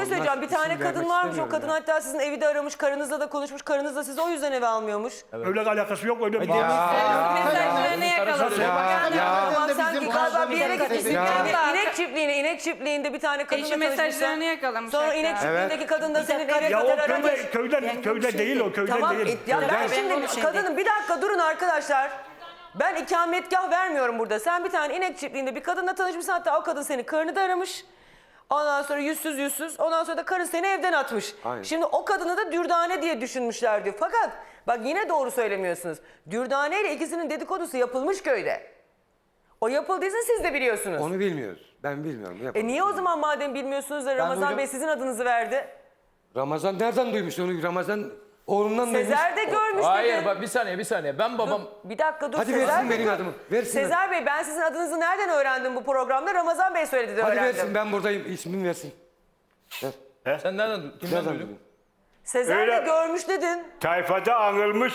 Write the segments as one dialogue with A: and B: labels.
A: söyleyeceğim. Bir tane kadın varmış. O kadın hatta sizin evi de aramış. Karınızla da konuşmuş. Karınız da sizi o yüzden eve almıyormuş.
B: Öyle alakası yok öyle bir şey.
C: Mesajlarını yakaladım.
A: Ama sanki
D: bizim
A: galiba bir yere gitmişsin.
C: Ya.
A: İnek çiftliğinde bir tane kadınla
C: Eşi
A: tanışmışsın.
C: mesajlarını yakalamış.
A: Sonra
C: hatta.
A: inek çiftliğindeki kadın da senin eve
B: Ya o
A: kadar aramış.
B: köyde değil o köyde
A: Tamam.
B: değil.
A: Ya ben
C: Ben
A: şimdi
C: bunu
A: kadının bir dakika durun arkadaşlar. Ben ikametgah vermiyorum burada. Sen bir tane inek çiftliğinde bir kadınla tanışmışsın. Hatta o kadın senin karını da aramış. Ondan sonra yüzsüz. Ondan sonra da karın seni evden atmış.
E: Aynen.
A: Şimdi o kadını da Dürdane diye düşünmüşler diyor. Fakat bak yine doğru söylemiyorsunuz. Dürdane ile ikisinin dedikodusu yapılmış köyde. O yapıldıysa siz de biliyorsunuz.
E: Onu bilmiyoruz. Ben bilmiyorum.
A: Niye o zaman madem bilmiyorsunuz da Ramazan
E: duydum.
A: Bey sizin adınızı verdi?
E: Ramazan nereden duymuş onu? Ramazan oğlundan duymuş.
A: Sezer de görmüş
F: Hayır
A: dedi.
F: bak bir saniye. Ben babam...
A: Bir dakika dur.
E: Hadi
A: Sezer
E: versin
A: Bey
E: benim
A: dur.
E: adımı. Versin.
A: Sezer Bey ben sizin adınızı nereden öğrendim bu programda? Ramazan Bey söyledi de
E: Hadi
A: öğrendim.
E: versin ben buradayım. İsmini versin. Ver.
F: Sen kimden
E: Nereden
F: duydun?
E: duydun?
A: Sezer
B: Öyle.
A: de görmüş dedin.
B: Tayfada anılmış.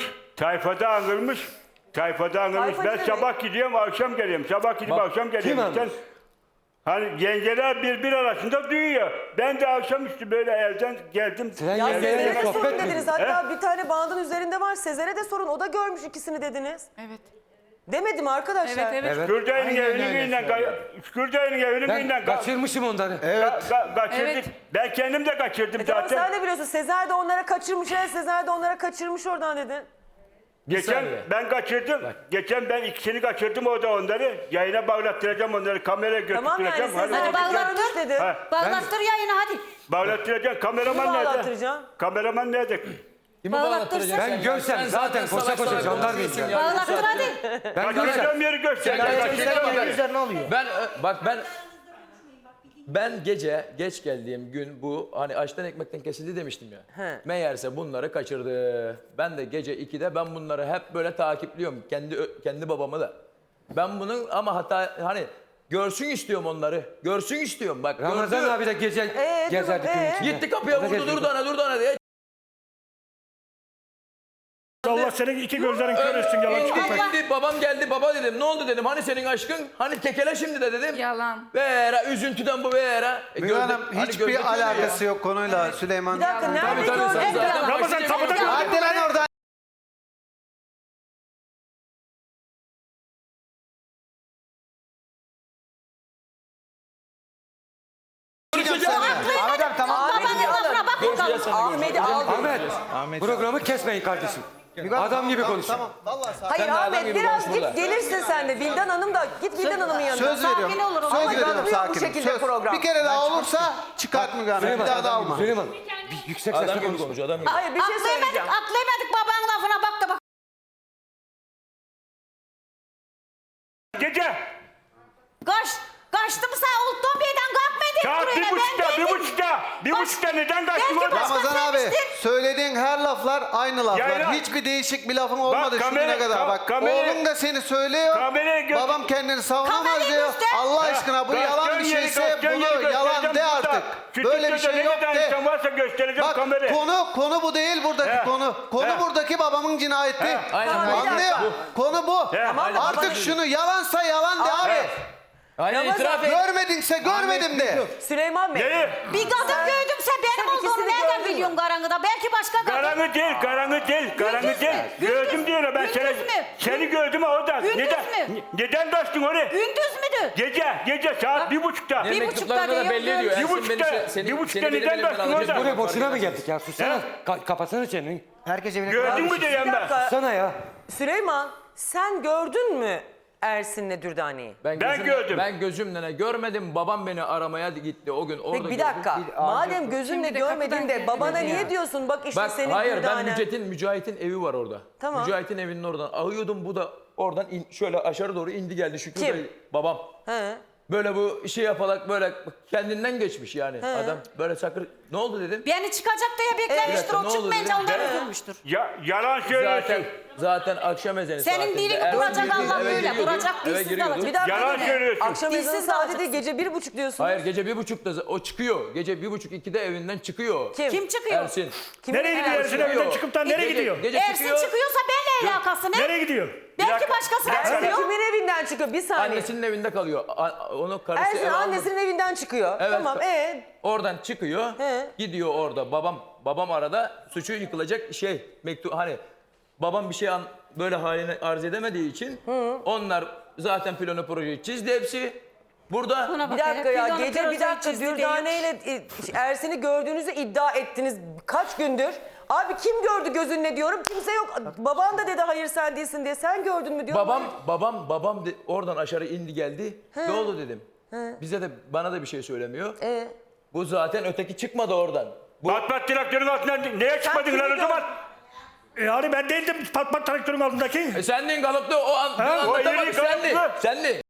B: Ben
A: ne
B: sabah gidiyorum akşam geliyorum. Sabah gidip akşam geliyorum.
E: Kim anmış?
B: Hani yengeler bir arasında duyuyor. Ben de akşamüstü böyle evden geldim.
E: Sen
A: Ya
E: yengeyle
A: Sezer'e de
E: sohbet
A: sorun
E: mi?
A: dediniz. Hatta bir tane bandın üzerinde var. Sezer'e de sorun. O da görmüş ikisini dediniz.
C: Evet.
A: Demedim arkadaşlar.
C: Evet.
E: Evet.
B: Kürday'ın evinin
E: Ben
B: önünden
E: kaçırmışım onları.
B: kaçırdık.
C: Evet.
B: Ben kendim de kaçırdım
A: Tamam
B: zaten.
A: sen de biliyorsun. Sezer de onlara kaçırmış. Sezer de onlara kaçırmış oradan dedin.
B: Geçen
F: saniye.
B: ben kaçırdım. Geçen ben ikisini kaçırdım orada onları. Yayına bağlattıracağım onları. Kameraya
A: Tamam yani
B: götürtüreceğim.
A: Sezer de
G: bağlattır.
A: görmüş dedi.
B: Ha.
G: Bağlattır yayını hadi.
B: Bağlattıracağım. Kameraman
A: Kimi
B: nerede?
A: bağlattıracaksın?
B: Kameraman nerede?
F: Kimi
G: Bağlattırsın.
F: bağlattıracaksın?
E: Ben görsem zaten koşa koşa jandarmayım ya.
G: Bağlattır hadi.
E: Ben görsem.
B: Kaçıracağım yeri göster.
F: Ben gece geç geldiğim gün bu hani açtan ekmekten kesildi demiştim ya.
A: He.
F: Meğerse bunları kaçırdı. Ben de gece 2'de ben bunları hep böyle takipliyorum. Kendi babamı da. Ben bunun ama hata hani görsün istiyorum onları. Görsün istiyorum bak.
E: Ramazan
F: gördü.
E: abi de gece gezerdi
A: dur,
E: gün içinde.
F: Gitti kapıya
E: O da
F: vurdu
E: geziyordu.
F: dur ana diye.
B: Allah senin iki gözlerin kör etsin yalan çıkıp.
F: Gitti, babam geldi baba dedim. Ne oldu dedim. Hani senin aşkın? Hani tekele şimdi de dedim.
C: Yalan.
F: Vera üzüntüden bu vera.
D: Müge Hanım hiçbir alakası yok konuyla Süleyman.
A: Bir dakika nerede
F: Tabii
A: gördün?
F: sen zaten
B: Ramazan
F: başını
B: kapıda
F: yapıyorsun.
D: Hadi lan oradan. Ahmet abi tamam.
A: Ahmet'i alın.
F: Görüşeceğiz seni.
A: Ahmet'i al.
E: Ahmet programı kesmeyin kardeşim. Adam gibi konuşun.
D: Tamam vallahi sakin.
A: Hayır
F: Sen de adam
A: Ahmet
F: gibi
A: biraz
F: konuş burada.
A: git gelirsin sen de. Vildan Hanım da git Vildan Hanım'ın yanına.
D: Söz veriyorum.
G: Sakin olur.
D: Söz
G: Ama
D: veriyorum
A: yapılıyor bu
D: sakin.
A: şekilde
D: Söz.
A: program.
D: Bir kere daha olursa çıkart Müge Hanım. Bir daha da alma.
E: Süleyman bir yüksek
F: Adam
E: sesle
F: gibi
E: konuş.
F: konuş adam gibi.
A: Hayır bir şey söyleyeceğim.
G: Atlayamadık babanın lafına bak da bak.
B: Gece.
G: Kaçtım sağ Ulton Bey'den kalkmadık
B: Saat
G: buraya.
B: bir buçukta neden kaçtın
G: Belki
B: orada?
G: başka
D: Ramazan abi söylediğin her laflar aynı laflar.
B: Yayla.
D: Hiçbir değişik bir lafın olmadı şu
B: kamera-
D: güne kadar. Bak
B: kamera-
D: oğlum da seni söylüyor.
B: Kamerayı göster.
D: Babam kendini savunamaz
G: Kamerayı
D: diyor.
G: göster.
D: Allah aşkına bu yalan bir şeyse bunu yalan de artık. Böyle bir şey yok de.
B: Varsa göstereceğim
D: Bak
B: kamerayı.
D: konu bu değil buradaki
B: He.
D: konu. Konu
B: He.
D: buradaki babamın cinayeti.
F: Aynen.
A: Tamam, bir
D: Anlıyor?
A: dakika.
D: Konu bu.
B: He.
A: Tamam da
D: Artık şunu yalansa yalan de abi.
F: Aynen
A: Ramazan,
F: itiraf et.
D: Görmedinse görmedim de.
A: Süleyman Bey.
B: Neyi?
G: Bir kadın gördümse benim
A: Sen
G: olduğumu
A: ikisini
G: nereden
A: gördün mü?
G: biliyorsun karanlıkta? Belki başka kadın.
B: Karanlık değil. Gördüm diyor ben
G: Gündüz mü?
B: seni gördüm orada.
G: Gündüz
B: Neden?
G: mü?
B: Neden kaçtın oraya?
G: Gündüz müdür?
B: Gece saat 1:30'da.
G: Bir
F: Mektuplarında
G: buçukta
F: da belli
G: diyor,
F: ediyor.
B: bir
F: Ersin
B: buçukta-
F: beni- seni-
B: bir buçukta
F: seni benim
B: neden
F: elimden
B: baktın
F: alacak.
B: orada?
E: Buraya boşuna mı geldik ya? Sussana. Kapatsana çeneni.
D: Herkes evine
B: Gördün mü diyeyim
A: Bir
B: ben.
A: dakika.
E: Sussana ya.
A: Süleyman sen gördün mü Ersin'le Dürdane'yi?
B: Ben
F: gözümle-
B: gördüm.
F: Ben gözümle görmedim. Babam beni aramaya gitti o gün. Orada
A: Peki bir
F: gördüm.
A: dakika. Madem gözünle
C: Şimdi de
A: görmedin
C: kapıdan
A: de
C: girdi
A: babana
C: dedi
A: niye
C: ya.
A: diyorsun? Bak işte
F: Bak
A: senin
F: hayır
A: Dürdane.
F: ben Mücahit'in evi var orada.
A: Tamam.
F: Mücahit'in evinin oradan ağıyordum. Bu da oradan şöyle aşağı doğru indi geldi. Şükrü
A: Kim?
F: Bey, babam.
A: He.
F: Böyle bu şey yaparak böyle kendinden geçmiş yani. Adam böyle sakır. Ne oldu dedim.
G: Beni çıkacak diye beklemiştir.
F: Evet, ne
G: O
F: oldu
G: çıkmayınca
F: dedim.
G: ondan
B: Ben-
G: üzülmüştür.
B: Yalan söylüyorsun.
F: zaten akşam ezanı
G: Senin
F: saatinde
G: dilini
F: eve
G: duracak
F: giriyordu,
G: Allah
F: eve
G: böyle.
F: giriyordu,
G: Duracak,
F: eve
G: dilsiz
F: giriyordu.
G: kalacak.
A: Bir dakika.
B: Yalan
A: dinle.
B: söylüyorsun.
A: Akşam ezanı
G: Dilsiz
A: saati
G: kalacaksın.
A: değil gece 1.30 diyorsunuz.
F: Hayır gece 1.30'da o çıkıyor. Gece 1.30-2'de evinden çıkıyor.
G: Kim çıkıyor?
F: Ersin.
A: Kimin
H: Nereye gidiyor
A: evine-
H: Ersin evden çıkıp da nereye
F: Gece-
H: gidiyor?
F: Gece
G: Ersin
F: çıkıyor.
G: çıkıyorsa benimle alakası ne?
H: Nereye gidiyor?
G: Belki
B: dakika,
G: başkası
B: bir dakika.
A: Ersin
G: çıkıyor.
A: kimin evinden çıkıyor? Bir saniye.
F: Annesinin evinde kalıyor. Onu karısı
A: Ersin
F: eve almadı.
A: annesinin evinden çıkıyor.
F: Evet.
A: Tamam
F: Oradan çıkıyor.
A: He.
F: Gidiyor orada. Babam arada suçu yıkılacak mektup hani babam bir şey böyle halini arz edemediği için onlar zaten planı projeyi çizdi hepsi. Burada
G: Buna
A: Bir
G: bak
A: dakika
G: hele,
A: ya
G: biz onu
A: gece bir
G: projeyi
A: dakika
G: çizdi diye.
A: Dürdane ile Ersin'i gördüğünüzü iddia ettiniz kaç gündür? Abi kim gördü gözünle diyorum kimse yok. Baban da dedi hayır sen değilsin diye sen gördün mü diyor.
F: babam oradan aşağı indi geldi. Ne oldu dedim. Bize de bana da bir şey söylemiyor. Bu zaten öteki çıkmadı oradan.
B: Pat pat traktörün altından neye çıkmadın lan o zaman?
H: Yani ben değildim pat pat traktörün altındaki.
F: Sendin kalıptı o an
B: o
F: anlatamadı
B: yeri
F: sendin.
B: kalıptı.
F: Sendin.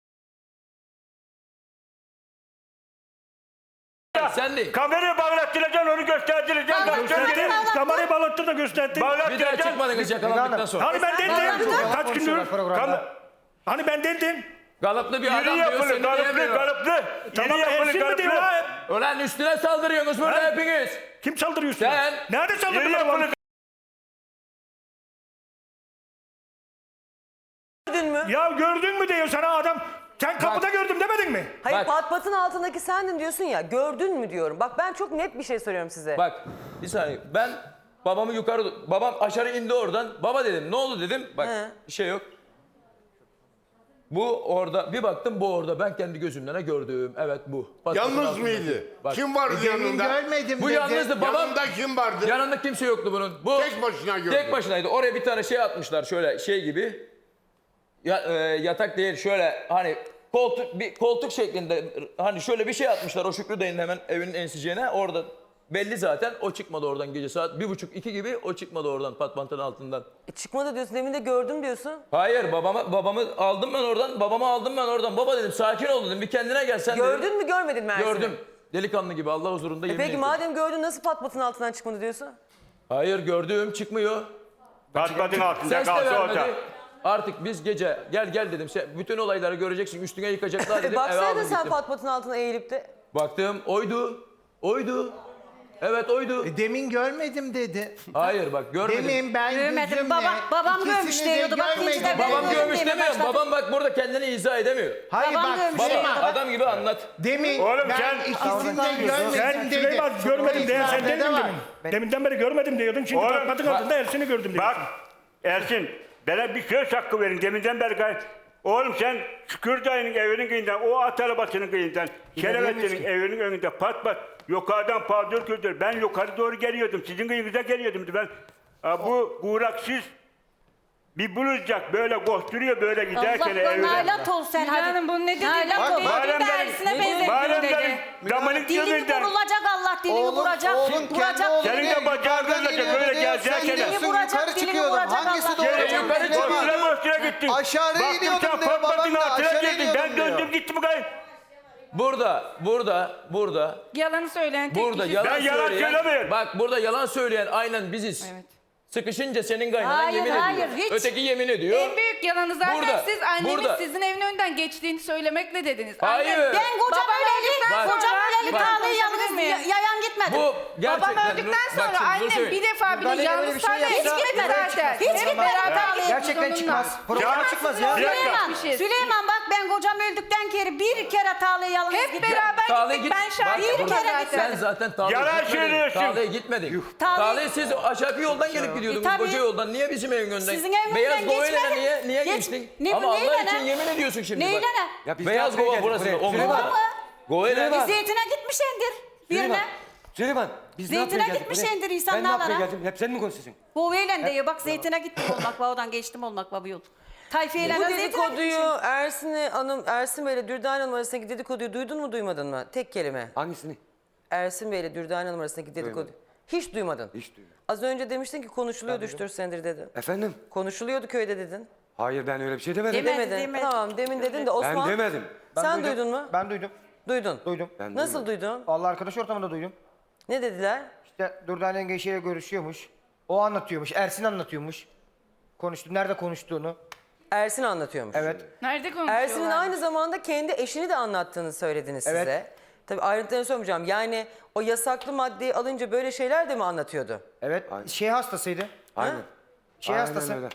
F: Sendin.
B: Kameraya bağlattıracaksın onu gösterdireceksin.
H: Gösterdi. Kamerayı bağlattı da gösterdi.
F: Bir daha
B: Bağlattıracaksın.
F: çıkmadıkınız yakalandıktan sonra.
H: Hani ben değildim. Kaç gündür?
B: Kam-
H: Hani ben değildim.
F: Kalıplı bir
B: Yeri
F: adam diyor
B: yapılı,
F: seni
B: kalıplı,
F: diyemiyor.
B: kalıplı.
H: Tamam
B: Yeri
H: Ersin
B: yapılı,
H: mi diyor
B: kalıplı.
H: ha?
F: Ulan üstüne saldırıyorsunuz burada
B: Ha?
F: hepiniz.
H: Kim saldırıyor üstüne?
F: Sen.
H: Nerede
B: Yeri
H: saldırdılar
B: yapılı,
H: bana?
A: Gördün mü?
H: Ya gördün mü diyor sana adam. Sen kapıda gördüm demedin mi?
A: Hayır
F: Bak.
A: pat patın altındaki sendin diyorsun ya gördün mü diyorum. Bak ben çok net bir şey söylüyorum size.
F: Bak bir saniye ben babam aşağı indi oradan. Baba dedim ne oldu dedim. Bak
A: He.
F: bir şey yok. Bu orada bir baktım bu orada ben kendi gözümle gördüm. Evet bu. Pat patın
I: Yalnız
F: altındaki.
I: mıydı?
F: Bak,
I: Kim vardı yanında?
D: Görmedim
F: bu
D: dedi.
F: yalnızdı babam.
I: Yanında kim vardı?
F: Yanında kimse yoktu bunun. Bu
I: Tek başına gördü.
F: Tek başınaydı. Oraya bir tane şey atmışlar şöyle şey gibi. Yatak değil şöyle hani koltuk şeklinde hani şöyle bir şey atmışlar o Şükrü dayının hemen evinin ensicene orada belli zaten o çıkmadı oradan gece saat 1.30-2 gibi o çıkmadı oradan patpantın altından.
A: Çıkmadı diyorsun demin de gördüm diyorsun.
F: Hayır babamı aldım ben oradan baba dedim sakin ol dedim bir kendine gel sen dedim.
A: Gördün mü görmedin mi Ersin'i?
F: Gördüm. Delikanlı gibi Allah huzurunda yemin
A: Peki
F: ediyorum.
A: madem gördün nasıl pat patın altından çıkmadı diyorsun?
F: Hayır gördüm çıkmıyor.
B: Pat patın altında
F: Ses de
B: kalsa
F: vermedi.
B: orada.
F: Artık biz gece gel dedim. Bütün olayları göreceksin. Üstüne yıkacaklar dedim. Eve
A: Baksaydın
F: aldım
A: sen
F: gittim.
A: pat patın altına eğilip de.
F: Baktım oydu. Evet oydu.
D: Demin görmedim dedi.
F: Hayır bak görmedim.
D: Demin ben
G: Görmedim.
D: gözümle
G: babam
D: ikisini
G: görmüş
D: de
G: diyordu. Bak
D: görmedim.
G: ikinci de
F: Babam
G: ben
F: görmüş
G: görmedim,
F: demiyorum.
G: başladım.
F: Babam bak burada kendini izah edemiyor.
D: Hayır
G: Babam
D: bak
G: görmüş.
F: Baba
D: Süleyman.
F: adam gibi anlat.
D: Demin
B: Oğlum
D: ben
B: sen-
D: ikisini de
H: Sen
D: görmedim dedi.
H: Süleyman görmedim diye sen
D: İfadede
H: demedin
D: var.
H: mi? Deminden beri görmedim diyordun. Şimdi
B: Oğlum,
H: pat patın
B: bak-
H: altında Ersin'i gördüm diyorsun.
B: Bak Ersin bana bir söz hakkı verin deminden beri oğlum sen Şükür dayının evinin kıyından o at arabasının kıyından Şerefettin'in evinin önünde pat pat yukarıdan paldır küldür ben yukarı doğru geliyordum sizin kıyınıza geliyordum ben bu uğraksız bir bulacak böyle koşturuyor böyle giderken
G: Allah
B: evine.
G: nalat ol sen
C: Hülya
G: hadi.
C: Hanım bunu ne dedi?
G: Nalat ol.
C: Dedi de Ersin'e benzetiyor dedi.
B: Damanın
G: Dilini
B: gözünden
G: vurulacak Allah dilini vuracak.
D: Oğlum kendi
G: vuracak.
D: oğlum
B: Senin de bacağın kırılacak, böyle gezerken.
D: Sen gidiyorsun
G: Dilini vuracak,
D: yukarı
G: dilini
D: çıkıyordun.
G: vuracak
D: Hangisi
G: Allah.
D: doğru?
F: Yukarı
D: Süleyman?
F: çıkıyordun.
B: Boşuna gittin.
D: Aşağıya
B: Baktım
D: iniyordum
B: sen
D: diyor,
B: patladın
D: babam da
B: altına
D: aşağı
B: girdin.
D: iniyordum
B: Ben
D: diyor.
B: döndüm gittim gayet.
F: Burada
C: Yalanı söyleyen tek
F: burada
C: kişi.
F: yalan
B: Ben yalan
F: söyleyen.
B: söylemiyorum.
F: Bak burada yalan söyleyen aynen biziz.
C: Evet.
F: Sıkışınca senin kaynanan
G: Hayır,
F: yemin
G: hayır,
F: ediyor.
G: hiç.
F: Öteki yemin ediyor.
C: En büyük yalanı zaten
F: Burada,
C: siz annemin
F: burada.
C: sizin evin önünden geçtiğini söylemekle dediniz.
F: Hayır.
C: Annem-
G: Ben kocam
C: Babam öldükten
G: öleli,
C: sonra-
G: kocam öleli
C: Bak,
G: Tağlı'yı
C: konuşabilir
G: yalnız
C: miyim?
G: yayan gitmedim.
F: Bu gerçekten.
C: Babam öldükten
F: Bak
C: sonra
F: şimdi bunu
C: annem
F: söyleyeyim.
C: bir defa bile
D: Müdahale
C: yalnız
D: böyle bir şey
C: tarlaya
D: yapsa
C: hiç gitmedi
D: buradan
C: zaten.
D: çıkmaz.
G: Hiç
C: Hep
G: gitmedi.
C: beraber gidiyoruz
D: Gerçekten
C: onunla.
D: çıkmaz. Program
B: Ya-
D: çıkmaz
B: Bir
D: ya.
B: dakika.
G: Süleyman, Süleyman bak ben kocam öldükten kere bir kere Tağlı'ya yalnız
C: Hep
G: gittim.
C: beraber
F: Tağla'ya
C: gittik. Ben
F: Bak,
C: şahidim
G: bir kere
C: zaten.
F: Sen zaten Tağla'ya
B: Yalan
F: gitmedin.
B: söylüyorsun.
F: Tağla'ya gitmedin.
G: Tağla'ya-
F: Tağla'ya siz aşağı yoldan gelip gidiyordunuz.
G: tabii.
F: Koca yoldan. Niye bizim evin önünden?
G: Sizin evin
F: Beyaz
G: önünden
F: Gova'yla
G: geçmedim.
F: niye
G: Geç-
F: geçtin?
G: Ne bu,
F: Ama Allah
G: neyle
F: için
G: ne?
F: yemin ediyorsun şimdi.
G: Neyle
F: bak.
G: ne?
E: Ya biz
F: Beyaz
E: ne yapmaya
F: Gova
E: geldik
F: burası.
E: buraya?
F: Omuzda.
E: Süleyman.
F: Gova'yla.
E: Süleyman.
G: Zeytine gitmişsindir birine.
E: Süleyman biz ne
G: Zeytine
E: yapmaya geldik
G: gitmişsindir
E: buraya?
G: insanlarla.
E: Ben ne yapmaya geldim? Hep sen mi konuşuyorsun?
G: Boveyle diyor bak zeytine gittim olmak oradan geçtim olmak bu yol. Tayfiye'yle
A: Bu
G: de zeytine
A: dedikoduyu
G: gitmişsin.
A: Ersin Bey'le Dürdane Hanım arasındaki dedikoduyu duydun mu duymadın mı? Tek kelime.
E: Hangisini?
A: Ersin Bey'le Dürdane Hanım arasındaki dedikodu.
E: Duymadım.
A: Hiç duymadın.
E: Hiç duymadım.
A: Az önce demiştin ki konuşuluyordu 3-4 senedir dedin.
E: Efendim?
A: Konuşuluyordu köyde dedin.
E: Hayır ben öyle bir şey demedim.
G: Demedi,
A: Demedin.
G: demedi.
A: Tamam demin dedin de Osman.
E: Ben demedim.
A: Sen duydun mu?
D: Ben duydum.
A: Duydun.
D: Duydum.
E: Ben
A: Nasıl
E: duymadım.
A: duydun?
D: Vallahi arkadaş ortamında duydum.
A: Ne dediler?
D: İşte Dürdane yengeçiyle görüşüyormuş. O anlatıyormuş. Ersin anlatıyormuş.
J: konuştu. Nerede konuştuğunu.
A: Ersin anlatıyormuş.
J: Evet.
C: Nerede konuşuyorlar?
A: Ersin'in aynı zamanda kendi eşini de anlattığını söylediniz size.
J: Evet.
A: Tabii ayrıntılarını sormayacağım. Yani o yasaklı maddeyi alınca böyle şeyler de mi anlatıyordu?
J: Evet. Şey hastasıydı.
E: Aynen.
J: Şey
E: Aynen
J: hastası.
E: öyle.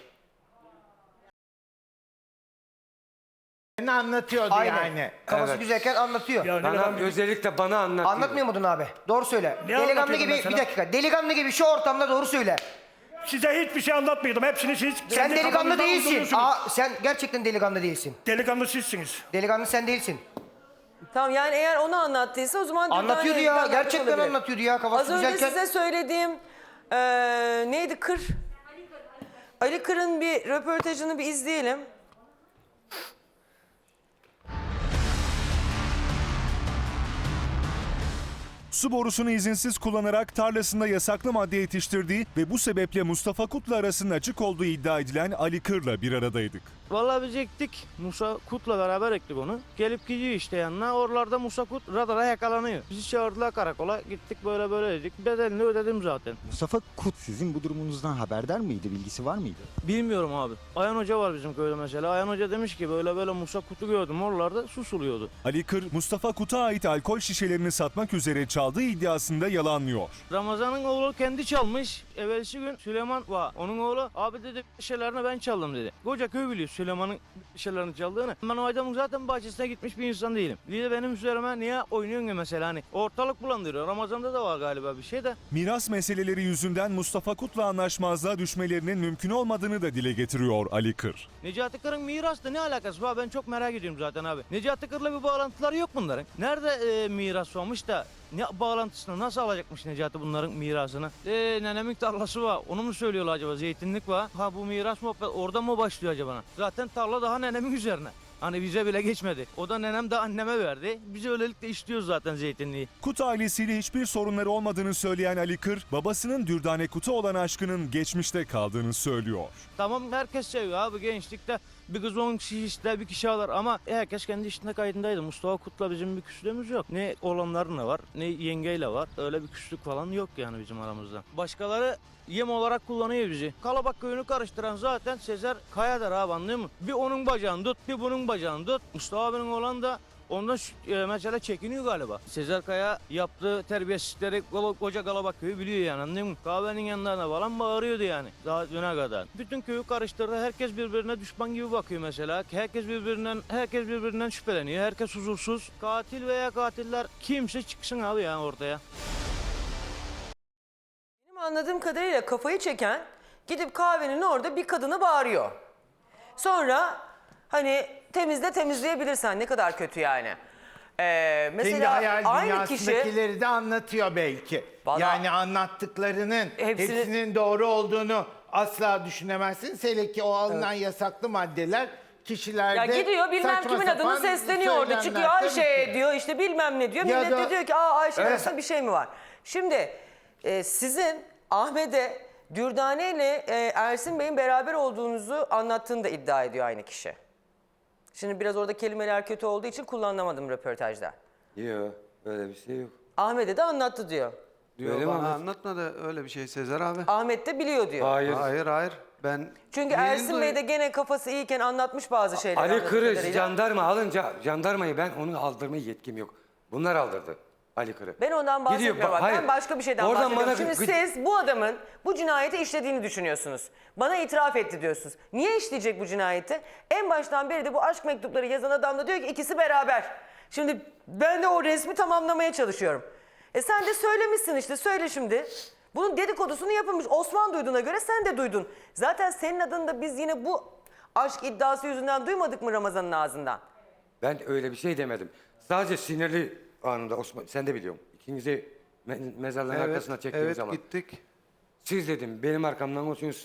I: Ne anlatıyordu
J: Aynen.
I: yani?
J: Kafası
E: Evet.
J: güzelken anlatıyor.
H: Ya ne
E: Bana
H: kadar
E: özellikle bana anlatıyor.
J: Anlatmıyor muydun abi? Doğru söyle.
H: Ne
J: Delikanlı
H: anlatıyordun
J: gibi
H: mesela?
J: bir dakika. Delikanlı gibi şu ortamda doğru söyle.
H: size hiçbir şey anlatmıyordum. Hepsini siz
J: Sen
H: kendi
J: delikanlı
H: kafanızdan
J: değilsin.
H: uyduruyorsunuz.
J: Sen gerçekten delikanlı değilsin.
H: Delikanlı sizsiniz.
J: Delikanlı sen değilsin.
A: Tamam yani eğer onu anlattıysa o zaman...
J: Anlatıyordu
A: Dürdane'yle
J: ya.
A: alakası
J: Gerçekten
A: olabilir.
J: anlatıyordu ya. Kafası
A: Az önce
J: güzelken.
A: size söylediğim neydi Kır? Ali Kır'ın bir röportajını bir izleyelim.
K: Su borusunu izinsiz kullanarak tarlasında yasaklı madde yetiştirdiği ve bu sebeple Mustafa Kut'la arasının açık olduğu iddia edilen Ali Kır'la bir aradaydık.
L: Vallahi biz ektik. Musa Kut'la beraber ektik onu. Gelip gidiyor işte yanına. Oralarda Musa Kut radara yakalanıyor. Bizi çağırdılar karakola. Gittik böyle dedik. Bedelini ödedim zaten.
M: Mustafa Kut sizin bu durumunuzdan haberdar mıydı? Bilgisi var mıydı?
L: Bilmiyorum abi. Ayhan Hoca var bizim köyde mesela. Ayhan Hoca demiş ki böyle Musa Kut'u gördüm. Oralarda susuluyordu.
K: Ali Kır, Mustafa Kut'a ait alkol şişelerini satmak üzere çaldığı iddiasında yalanlıyor.
L: Ramazan'ın oğlu kendi çalmış. Evvelsi gün Süleyman var. Onun oğlu abi dedi şeylerini ben çaldım dedi. Koca köy biliyor Süleyman'ın şeylerini çaldığını. Ben o adamın zaten bahçesine gitmiş bir insan değilim. Bir de benim üzerime niye oynuyorsun ya mesela hani ortalık bulandırıyor. Ramazan'da da var galiba bir şey de.
K: Miras meseleleri yüzünden Mustafa Kut'la anlaşmazlığa düşmelerinin mümkün olmadığını da dile getiriyor Ali Kır.
L: Necati Kır'ın mirasla ne alakası var? Ben çok merak ediyorum zaten abi. Necati Kır'la bir bağlantıları yok bunların. Nerede miras olmuş da ne bağlantısını nasıl alacakmış Necati bunların mirasını? Nenemin tarlası var. Onu mu söylüyorlar acaba? Zeytinlik var. Ha bu miras muhabbet orada mı başlıyor acaba? Zaten tarla daha nenemin üzerine. Hani bize bile geçmedi. O da nenem de anneme verdi. Biz öylelikle işliyoruz zaten zeytinliği.
K: Kut ailesiyle hiçbir sorunları olmadığını söyleyen Ali Kır, babasının Dürdane Kut'a olan aşkının geçmişte kaldığını söylüyor.
L: Tamam herkes seviyor abi gençlikte. Bir kız 10 kişi ister bir kişi alır ama herkes kendi işinde kaydındaydı. Mustafa Kut'la bizim bir küslüğümüz yok. Ne oğlanlarla var ne yengeyle var. Öyle bir küslük falan yok yani bizim aramızda. Başkaları yem olarak kullanıyor bizi. Kalabak köyünü karıştıran zaten Sezer Kaya'dır abi anlıyor musun? Bir onun bacağını tut bir bunun bacağını tut. Mustafa abinin olan da ondan mesela çekiniyor galiba. Sezer Kaya yaptığı terbiyesizlikleri koca Galabak köyü biliyor yani anladın mı? Kahvenin yanlarına falan bağırıyordu yani daha düne kadar. Bütün köyü karıştırdı. Herkes birbirine düşman gibi bakıyor mesela. Herkes birbirinden şüpheleniyor. Herkes huzursuz. Katil veya katiller kimse çıksın abi yani ortaya.
A: Benim anladığım kadarıyla kafayı çeken gidip kahvenin orada bir kadına bağırıyor. Sonra hani temizleyebilirsen ne kadar kötü yani.
I: Kendi
A: Mesela
I: hayal
A: aynı kişi
I: dünyasındakileri de anlatıyor belki.
A: Vallahi-
I: Yani anlattıklarının hepsinin doğru olduğunu asla düşünemezsin. Hele ki o alınan yasaklı maddeler kişilerde
A: ya gidiyor bilmem
I: saçma
A: kimin adını
I: sapan
A: sesleniyor orada
I: söylemler.
A: çıkıyor
I: Tabii
A: Ayşe
I: ki.
A: diyor işte bilmem ne diyor.
I: Ya
A: Millet
I: da-
A: de diyor ki Ayşe arasında bir şey mi var? Şimdi sizin Ahmet'e Dürdane ile Ersin Bey'in beraber olduğunuzu anlattığını da iddia ediyor aynı kişi. Şimdi biraz orada kelimeler kötü olduğu için kullanamadım röportajda.
E: Yok öyle bir şey yok.
A: Ahmet'e de anlattı diyor.
E: Öyle mi
M: Bana
E: Ahmet?
M: anlatmadı öyle bir şey Sezer abi.
A: Ahmet de biliyor diyor.
E: Hayır.
M: Hayır. Ben
A: Çünkü
M: yeni
A: Ersin Bey de gene kafası iyiyken anlatmış bazı şeyler.
E: Ali
A: anladığım
E: Kır'ı
A: kadarıyla.
E: jandarma alınca jandarmayı ben onu aldırmaya yetkim yok. Bunlar aldırdı Ali Kır'ı.
A: Ben ondan bahsetmiyorum.
E: Gidiyor,
A: Bak.
E: hayır.
A: Ben başka bir şeyden
E: Oradan
A: bahsediyorum.
E: bana-
A: Şimdi siz bu adamın bu cinayeti işlediğini düşünüyorsunuz. Bana itiraf etti diyorsunuz. Niye işleyecek bu cinayeti? En baştan beri de bu aşk mektupları yazan adam da diyor ki ikisi beraber. Şimdi ben de o resmi tamamlamaya çalışıyorum. Sen de söylemişsin işte söyle şimdi. Bunun dedikodusunu yapılmış. Osman duyduğuna göre sen de duydun. Zaten senin adını da biz yine bu aşk iddiası yüzünden duymadık mı Ramazan'ın ağzından?
E: Ben öyle bir şey demedim. Sadece sinirli anında Osman sen de biliyorsun. İkinizi mezarlığın arkasına çektiğim zaman.
M: gittik.
E: Siz dedim benim arkamdan olsunuz.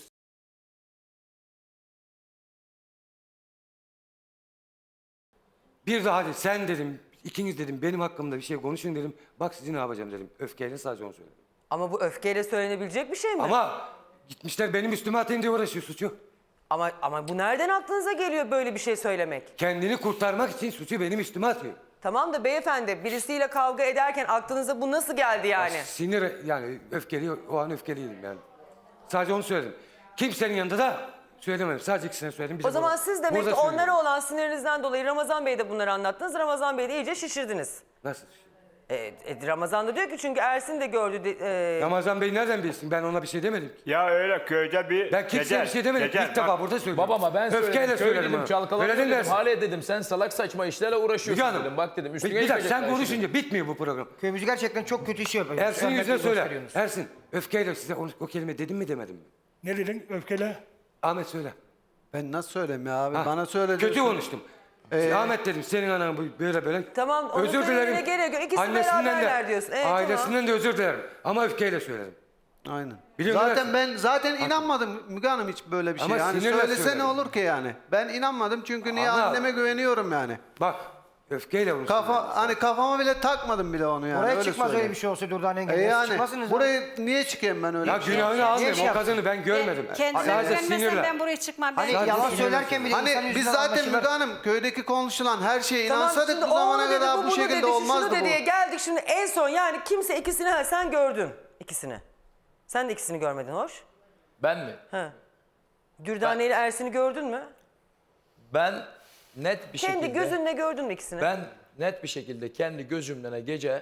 E: Bir daha hadi sen dedim ikiniz dedim benim hakkımda bir şey konuşun dedim. Bak sizi ne yapacağım dedim. Öfkeyle sadece onu söyledim.
A: Ama bu öfkeyle söylenebilecek bir şey mi?
E: Ama gitmişler benim üstüme atayım diye uğraşıyor suçu.
A: Ama bu nereden aklınıza geliyor böyle bir şey söylemek?
E: Kendini kurtarmak için suçu benim üstüme atıyor.
A: Tamam da beyefendi birisiyle kavga ederken aklınıza bu nasıl geldi yani?
E: Sinir yani öfkeli o an öfkeliydim yani. Sadece onu söyledim. Kimsenin yanında da Söylemedim. Sadece ikisine söyledim. Bir de
A: O zaman
E: burada-
A: siz demek
E: burada
A: ki onlara
E: söylüyorum.
A: olan sinirinizden dolayı Ramazan Bey'e de bunları anlattınız. Ramazan Bey'i de iyice şişirdiniz.
E: Nasıl?
A: Ramazan da diyor ki çünkü Ersin de gördü.
E: Ramazan Bey nereden bilsin? Ben ona bir şey demedim ki.
B: Ya öyle köyde bir...
E: Ben kimseye bir şey demedim.
B: Gecel,
E: İlk defa
B: bak,
E: burada söylüyorum.
F: Babama ben
E: Öfkeyle
F: söyledim. Köy
E: söylerim
F: dedim,
E: ha.
F: çalkaladım
E: Öyle
F: dedim.
E: dersin.
F: Hale dedim sen salak saçma işlerle uğraşıyorsun
E: Müge Hanım,
F: dedim. Bak dedim üstüne
E: bir dakika sen
F: geçmeyecekler şimdi.
E: konuşunca bitmiyor bu program.
J: Köyümüz gerçekten çok kötü iş yapıyor.
E: Ersin'in yüzüne
J: Rahmetli
E: söyle.
J: gösteriyorsunuz.
E: Ersin öfkeyle size o kelime dedim mi demedim mi?
H: Ne dedin öfkele?
E: Ahmet söyle.
D: Ben nasıl söyleyeyim ya abi?
E: Ha,
D: Bana söyle.
E: Kötü konuştum. Ahmet dedim senin anan böyle.
A: Tamam, onu
E: Özür
A: söylemene
E: dilerim.
A: gerek yok. İkisi
E: Annesinden
A: beraberler diyorsun. Evet,
E: ailesinden de özür dilerim. Ama öfkeyle söyledim.
D: Aynen.
E: Biliyorum
D: Zaten ben inanmadım Müge Hanım hiç böyle bir şey.
E: Ama
D: Yani
E: sinirle
D: söylese
E: söyledim.
D: ne olur ki yani? Ben inanmadım çünkü niye
E: Ama-
D: anneme güveniyorum yani.
E: Bak öfkeyle onu söyledim.
D: Kafama bile takmadım bile onu yani.
J: Oraya
D: öyle
J: çıkmaz öyle
D: söyleyeyim.
J: bir şey olsa Durdane Engin.
D: Yani
J: Çıkmasınız
D: buraya niye çıkayım ben öyle
E: Ya
D: bir şey?
E: günahını
J: Niye
E: almayayım.
J: şey
E: O
J: yaptın?
E: kadını ben görmedim.
G: Kendime
E: Sadece
G: güvenmesem
E: sinirle.
G: ben buraya çıkmam. Ben
J: Hani
E: Sadece
J: yalan
E: sinirle
J: söylerken bile
D: Hani
J: insan
D: biz
J: yüzünden
D: zaten
J: anlaşılır.
D: Müge Hanım köydeki konuşulan her şeye
A: Tamam,
D: inansaydık
A: şimdi
D: bu zamana
A: oğlu dedi,
D: kadar bu
A: bunu
D: şekilde
A: dedi,
D: olmazdı
A: şunu
D: bu.
A: diye geldik şimdi en son yani kimse ikisini sen gördün ikisini. Sen de ikisini görmedin hoş.
F: Ben mi?
A: Ha. Dürdane ile Ersin'i gördün mü?
F: Ben net bir
A: Kendi
F: şekilde...
A: gözünle gördün mü ikisini?
F: Ben net bir şekilde kendi gözümle gece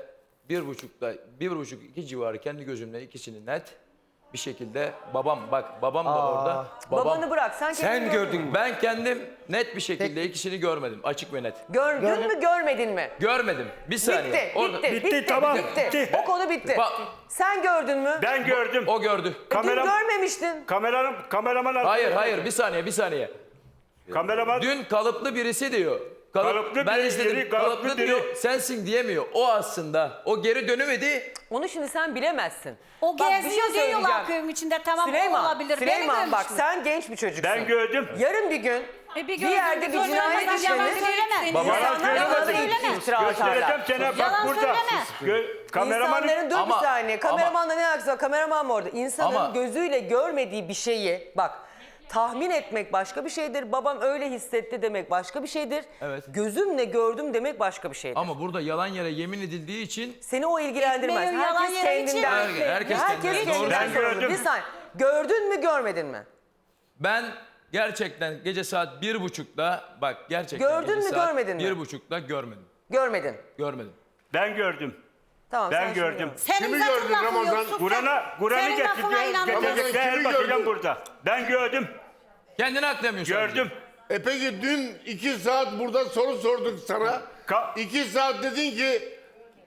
F: 1.30-2 civarı kendi gözümle ikisini net bir şekilde babam da orada.
A: Babanı bırak sen kendini
E: Sen gördün mü?
F: Ben kendim net bir şekilde ikisini görmedim. Açık ve net.
A: Gördün mü görmedin mi?
F: Görmedim. Bir saniye.
A: Bitti, bitti,
H: tamam,
A: bitti.
H: bitti.
A: O konu bitti.
F: Bak-
A: Sen gördün mü?
B: Ben gördüm.
F: O gördü.
A: Dün
B: Kameram-
A: görmemiştin.
B: Kameraman...
F: Hayır bir saniye.
B: Kameraman...
F: Dün kalıplı birisi diyor.
B: Kalıplı
F: ben
B: biri,
F: izledim.
B: kalıplı
F: Kalıplı
B: biri.
F: diyor. Sensin diyemiyor. O aslında. O geri dönemedi.
A: Onu şimdi sen bilemezsin.
G: O
A: Bak, bir şey
G: geziyor diyorlar
A: söyleyeceğim.
G: köyün içinde. Tamam o
A: Süleyman,
G: olabilir.
A: Süleyman
G: Beni
A: bak
G: görmüş mü?
A: sen genç bir çocuksun.
B: Ben gördüm.
A: Yarın bir gün
G: Bir
A: bir
G: gördüm,
A: yerde bir
G: gördüm.
A: cinayet
G: Yalan
A: işlenir.
G: söyleme.
F: Baba,
A: İnsanlar
B: yalan
A: bana da
G: söyleme.
A: iftira
B: Göstereceğim
A: atarlar.
B: sana bak
G: Yalan
B: burada.
G: söyleme.
B: Kameramanın...
A: İnsanların dur
F: Ama-
A: bir saniye. Kameramanla ne alakası var? Kameraman mı orada? İnsanın
F: Ama-
A: gözüyle görmediği bir şeyi bak tahmin etmek başka bir şeydir. Babam öyle hissetti demek başka bir şeydir.
F: Evet.
A: Gözümle gördüm demek başka bir şeydir.
F: Ama burada yalan yere yemin edildiği için
A: Seni o ilgilendirmez.
G: Ekmeğin yalan
A: Herkes
G: yere için
A: kendinden.
F: Herkes kendinden. Doğru.
A: kendinden
B: Ben
A: sorumlu.
B: gördüm.
A: Bir saniye. Gördün mü görmedin mi?
F: ben gerçekten gece saat 1.30'da bak gerçekten
A: Gördün
F: gece
A: mü,
F: saat
A: görmedin mi?
F: 1.30'da görmedim.
A: Görmedin.
F: Görmedim.
B: Ben gördüm.
A: Tamam,
B: Ben
A: sen şimdi
B: gördüm.
A: gör.
G: Senin
H: Kimi
G: zaten
H: gördün
G: lafın
H: Ramazan?
G: yok, sus sen.
B: Kur'an'ı
G: Senin lafına inanmam.
B: getirecekler
H: Kimi
B: bakacağım
H: gördün?
B: burada. Ben gördüm.
F: Kendini aklamıyorsun.
B: Gördüm.
N: Peki dün 2 saat burada soru sorduk sana. 2 saat dedin ki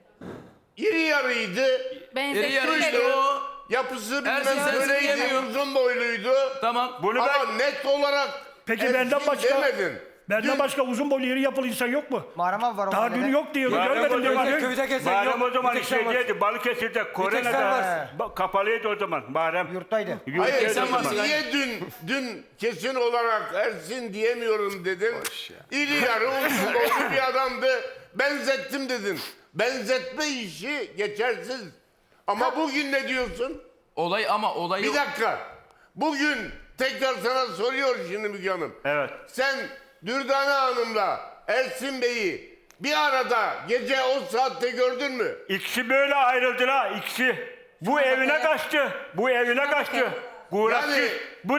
N: iri yarıydı.
F: İri yarıydı o.
N: Yapısı
F: Ersin
N: bilmem
F: sensin
N: böyleydi,
F: diyemiyor.
N: uzun boyluydu.
F: Tamam.
B: Bunu
N: Ama
B: ben...
N: net olarak
H: Peki
N: Ersin
H: benden başka
N: demedin.
H: benden başka uzun boylu iri yapılı insan yok mu?
J: Muharrem abi var o
H: Daha
J: mahallede.
H: dün yok diyor.
B: Muharrem
H: Görmedim
B: Hocam
H: diyor.
E: Köyde gezen
B: Muharrem
E: yok.
B: o zaman
E: Bir tek sen varsın.
B: şeydeydi. Balıkesir'de,
E: sen
B: Kore'de.
E: varsın.
B: Kapalıydı o zaman Muharrem.
J: Yurttaydı.
N: Hayır
B: Yurttaydı o
F: sen
B: zaman.
F: varsın.
N: niye dün kesin olarak Ersin diyemiyorum dedin. İri yarı uzun boylu bir adamdı. Benzettim dedin. Benzetme işi geçersiz. Ama bugün ne diyorsun?
F: Olayı
N: Bir dakika. Bugün tekrar sana soruyor şimdi Müge Hanım.
B: Evet.
N: Sen Dürdane Hanım'la Ersin Bey'i bir arada gece o saatte gördün mü?
B: İkisi böyle ayrıldılar. İkisi. Bu evine kaçtı. Bu evine kaçtı. Uğraştı.
N: Yani-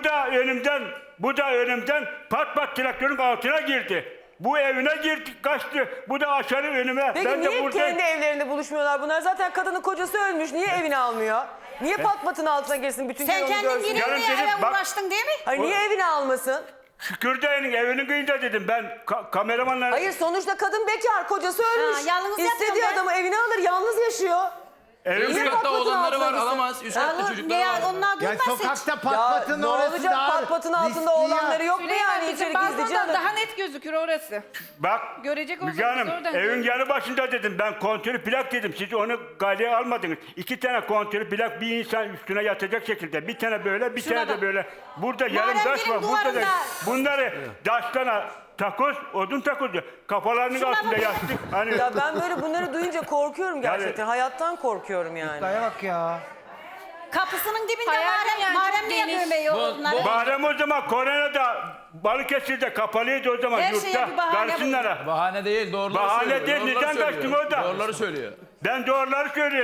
B: Bu da önümden pat pat traktörün altına girdi. Bu evine girdi, kaçtı. Bu da aşağı önüme.
A: Peki
B: ben de
A: niye
B: burada...
A: kendi evlerinde buluşmuyorlar bunlar? Zaten kadının kocası ölmüş. Niye evini almıyor? Niye pat patın altına girsin bütün köy
G: Sen
A: onu
G: kendin
A: görsün?
G: yine
B: Yarın
G: buraya
B: dedim,
G: eve
B: bak-
G: uğraştın değil mi?
A: Hayır niye evini almasın?
B: Şükürdayının evinin kıyında dedim ben kameramanla...
A: Hayır sonuçta kadın bekar, kocası ölmüş.
G: Ha, yalnız yapıyor
A: İstediği
G: be.
A: adamı evine alır, yalnız yaşıyor.
B: Evin
F: Üst
A: Niye
F: katta
A: pat patın
F: olanları
A: altına
F: var
A: gitsin?
F: alamaz. Üst katta çocukları var.
G: Onlar
I: Ya
G: durmaz hiç.
I: sokakta
A: Ya
I: patpatın
A: ne
I: orası
A: olacak
I: daha
A: pat patın altında
I: riskli ya.
A: olanları yok mu
C: Süleyman
A: yani
C: bizim
A: içeri gizlice
C: balkondan
A: alır?
C: daha net gözükür orası.
B: Bak
C: Görecek
B: Müge
C: olsanız
B: Hanım
C: oradan
B: evin
C: görün.
B: yanı başında dedim ben kontörü plak dedim siz onu galeye almadınız. 2 tane kontörü plak bir insan üstüne yatacak şekilde bir tane böyle bir tane de
G: bak.
B: böyle. Burada yarım
G: Muharrem
B: taş
G: benim
B: var burada da
G: duvarımda.
B: bunları taştan takoz odun takozu kafalarının
G: Şuna
B: altında
G: bak.
B: yattık. Hani
A: Ya ben böyle bunları duyunca korkuyorum gerçekten. Hayattan korkuyorum yani.
J: Daya bak ya.
G: Kapısının dibinde
C: Hayatım yani
G: Muharrem
C: çok
G: niye
C: geniş.
G: görmüyor onları?
B: Muharrem o zaman Kore'de Balıkesir'de kapalıydı o zaman
G: Her şeye
B: yurtta
G: bir bahane
B: karşınlara.
F: Bahane değil doğruları
B: Bahane
F: söylüyor.
B: değil,
F: Doğruları
B: neden
F: söylüyor.
B: kaçtın orada?
F: Doğruları söylüyor.
B: Ben doğruları söylüyorum.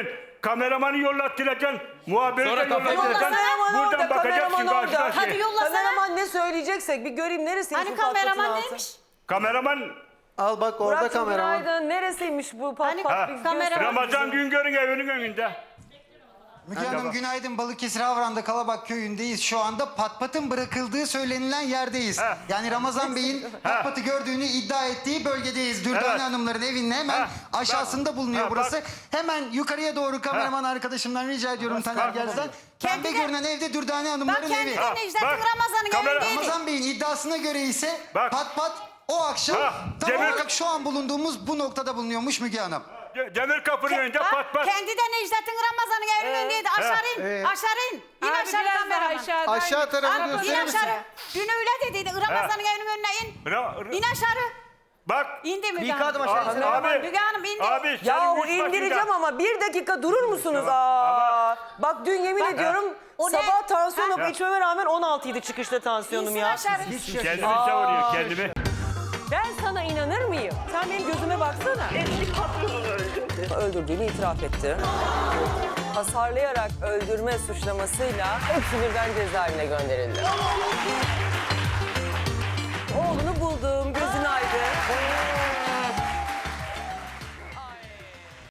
B: kameramanı yollattıracaksın. Muhabiri de
F: Sonra kapat-
B: yollattıracaksın.
A: Kameraman
B: Buradan
A: orada,
B: bakacaksın
A: kameraman orada.
B: karşına.
G: Hadi yollasana.
A: Kameraman ne söyleyeceksek bir göreyim neresiymiş
G: Hani
A: bu patpatın
G: kameraman
A: altı?
G: neymiş?
B: Kameraman
D: Al bak orada
A: Murat'cığım
D: kameraman.
A: günaydın. Neresiymiş bu pat
G: Hani
A: pat? bir
G: kameraman-
A: göster
B: Ramazan
A: bize.
B: Güngör'ün evinin önünde.
J: Müge Hanım günaydın. Balıkesir Havran'da Kalabak köyündeyiz. Şu anda patpatın bırakıldığı söylenilen yerdeyiz.
B: Ha.
J: Yani Ramazan Bey'in patpatı gördüğünü iddia ettiği bölgedeyiz. Dürdane
B: Evet.
J: Hanımların evinin hemen
B: Ha.
J: aşağısında bulunuyor
B: Ha,
J: burası.
B: bak.
J: Hemen yukarıya doğru kameraman arkadaşımdan rica ediyorum Taner
B: Bak.
J: Gerz'den.
G: Kendi
J: Pembe
G: de-
J: görünen evde Dürdane
G: Bak
J: Hanımların
G: kendi
J: evi.
G: de Necdet'in
B: bak.
G: Ramazan'ın
B: Kamera-
G: evindeydi.
J: Ramazan Bey'in iddiasına göre ise
B: Bak.
J: pat o akşam
B: Ha,
J: tam
B: Demir-
J: olarak şu an bulunduğumuz bu noktada bulunuyormuş Müge Hanım.
B: Demir kapının önünde
G: Bak,
B: pat pat.
G: kendi de Necdet'in Ramazan'ın evinin önündeydi. Aşağı in. Aşağı in. İn
C: Abi
G: aşağı
C: biraz daha
G: kameraman.
C: aşağıdan.
D: Aşağı tarafı
G: Abi in
D: gösterir misin?
G: aşağı. Dün öyle dediydi. Ramazan'ın evinin önüne in. İn aşağı.
B: Bak.
G: İndi Müge
J: Bir
G: Hanım.
J: adım aşağı insene.
B: Abi.
G: Müge Hanım indi.
B: Abi
A: Ya
B: senin
A: o
B: üst başında-
A: indireceğim ama bir dakika durur musunuz? Aa, bak dün yemin ediyorum
G: O ne?
A: sabah tansiyonum
G: Ha?
A: içmeme rağmen 16 idi çıkışta tansiyonum
G: İnsin
A: ya.
G: aşağı.
B: Kendimi savuruyor kendimi.
A: Ben sana inanır mıyım? Sen benim gözüme baksana. Eski patronunu öldürdü. Öldürdüğünü itiraf etti. Hasarlayarak öldürme suçlamasıyla hepsi birden cezaevine gönderildi. Oğlunu